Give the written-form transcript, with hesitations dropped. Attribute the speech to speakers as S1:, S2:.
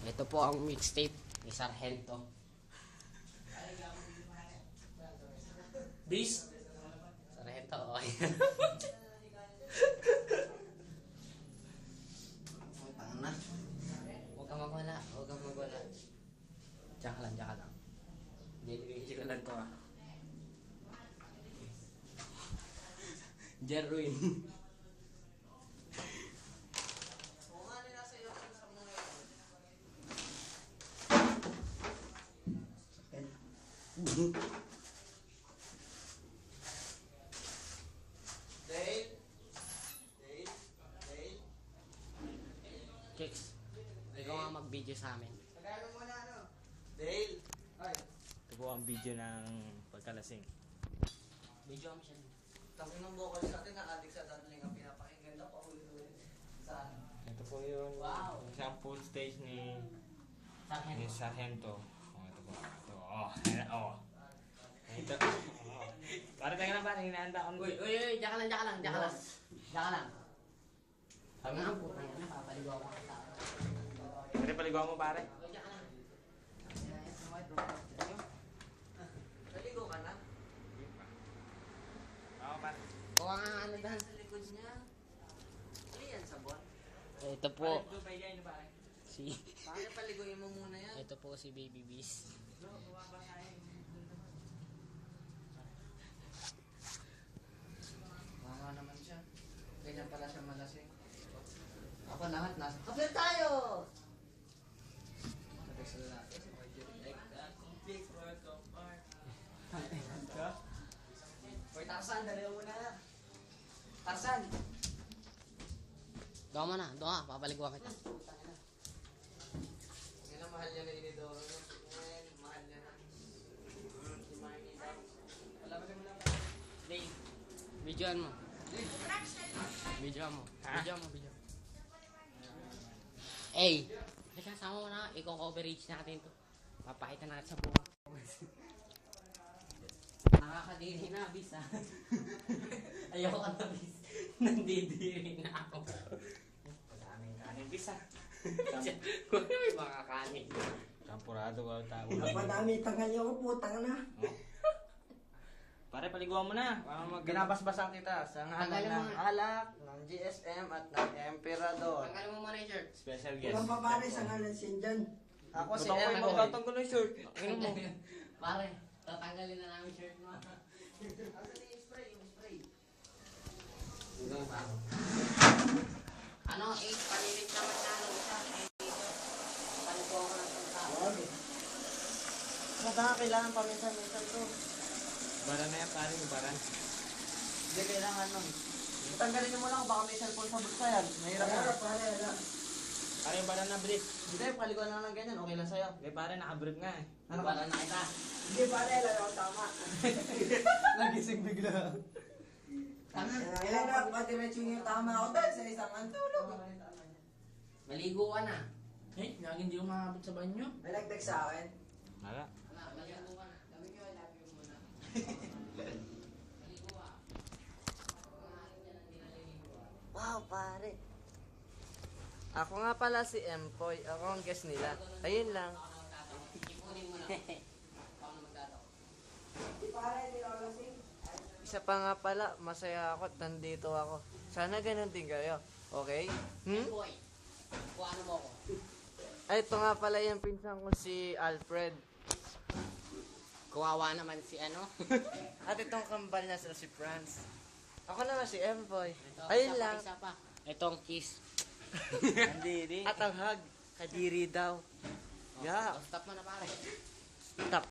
S1: Ito po ang mixtape ni Sargento.
S2: Bis?
S1: Sargento, okay. Tanga na. Huwag kang magwala, huwag kang magwala. Diyan ka lang, diyan ka lang. Hindi ko lang to ah. Jerwin. Kicks, ikaw nga mag-video sa amin.
S3: Dale! Ay,
S2: Ito po ang video ng pagkalasing.
S1: Video mo siya.
S3: tapos ng vocals natin na adik sa dancing ang pinapakinggan na paulit-ulit. Saan?
S2: Ito po yung
S1: Wow.
S2: isang full stage ni
S1: Sargento.
S2: Sargento. Oh, ito po. Ito. Oh. Ito. Oh. Para tayo na ba? Hinahanda ko.
S1: Uy, diyan ka lang, diyan ka lang, diyan ka lang. Diyan ka lang. Sabi nga, putang ina, papaligaw ko kita.
S2: Pwede paliguan mo pare?
S1: Uy, diyan ka lang.
S3: Naligo ka na?
S2: Oo pare.
S1: Kuha nga ano dyan.
S3: Sa likod niya. Ano yan, sabon?
S1: Ito
S2: Pare,
S1: po,
S2: ito pa yan pare.
S1: si...
S3: Bakit paliguin mo muna yan?
S1: Ito po si Baby Beast.
S3: Mama naman siya. Ganyan pala siya malasing. Ako lahat nasa. Kapit tayo! Sabi sa lalaki, si Marjorie. Like that, complete work of art. Hoy, Tarzan, dali mo muna. Tarzan!
S1: Doon mo na, doon ka, papaliguan kita.
S3: Ngayon ang mahal niya na inidoro niya. Ngayon, mahal niya na. Si Marnie daw. Wala ba mo lang?
S1: Dave, videoan mo. Videoan mo. Videoan mo, video. Hey, kasama mo na, i-coverage natin to. Papakita natin sa buong. Nakakadiri na, bis ah. Ayoko na, bis. Nandidiri na ako.
S2: Daming kanin bisa.
S1: Kung may mga kanin.
S2: Champurado ka tao.
S4: Napadami tanghal yung putang na.
S2: Pare, paliguan mo na.
S3: Ginabasbasan kita sa ngalan
S1: Tanggalin mo
S3: ng
S1: nga.
S3: alak, ng GSM at ng Emperador.
S1: Tanggalin mo muna yung shirt.
S2: Special guest.
S4: Walang papare sa ngalan sin dyan.
S3: Ako si
S2: Ba't ako
S3: Emboy.
S2: magtatanggal ng shirt? Ano mo?
S1: Pare, tatanggalin na namin shirt mo. Ano, panilit naman na ano isa. Palito ako ng tao.
S3: Kailangan paminsan-minsan to.
S2: Bara na yan pare, bara.
S3: Hindi kailangan nun. Tanggalin niyo muna kung baka may cellphone sa bulsa yan. Mahirap
S4: Pare,
S3: na.
S4: pare, ala.
S2: Pare, yung bara na brief.
S3: Hindi, paliguan lang ng ganyan. Okay lang sa'yo.
S2: Hindi pare, nakabrief nga eh.
S3: Ano
S1: Para na kita.
S4: Hindi pare, ala ako tama.
S3: Nagising bigla.
S4: Kailan na patiretso yung tama ako dahil sa isang antulog.
S1: Maligo ka na.
S2: Eh, lagi hindi umabot sa banyo.
S4: May nag-text sa akin.
S2: Wala.
S1: Wala, maligo ka na. Sabi ko, I love you muna. Maligo ka. Kumain ka na, hindi naliligo.
S3: Wow, pare. Ako nga pala si Empoy. Ako ang guest nila. Ayun lang.
S1: Ipunin mo na. Ako na magdadaw.
S4: Hindi pare, hindi ako lasing.
S3: Isa pa nga pala, masaya ako at nandito ako. Sana ganun din kayo. Okay?
S1: Boy, kung ano mo ako.
S3: Ay, ito nga pala yung pinsan ko si Alfred.
S1: Kawawa naman si ano.
S3: At itong kambal niya si Franz. Ako naman si Empoy.
S1: Ito,
S3: Ayun
S1: isa pa,
S3: lang.
S1: isa pa. Itong kiss.
S3: At ang hug. Kadiri daw. Yeah.
S1: Stop mo na pare.
S3: Tap.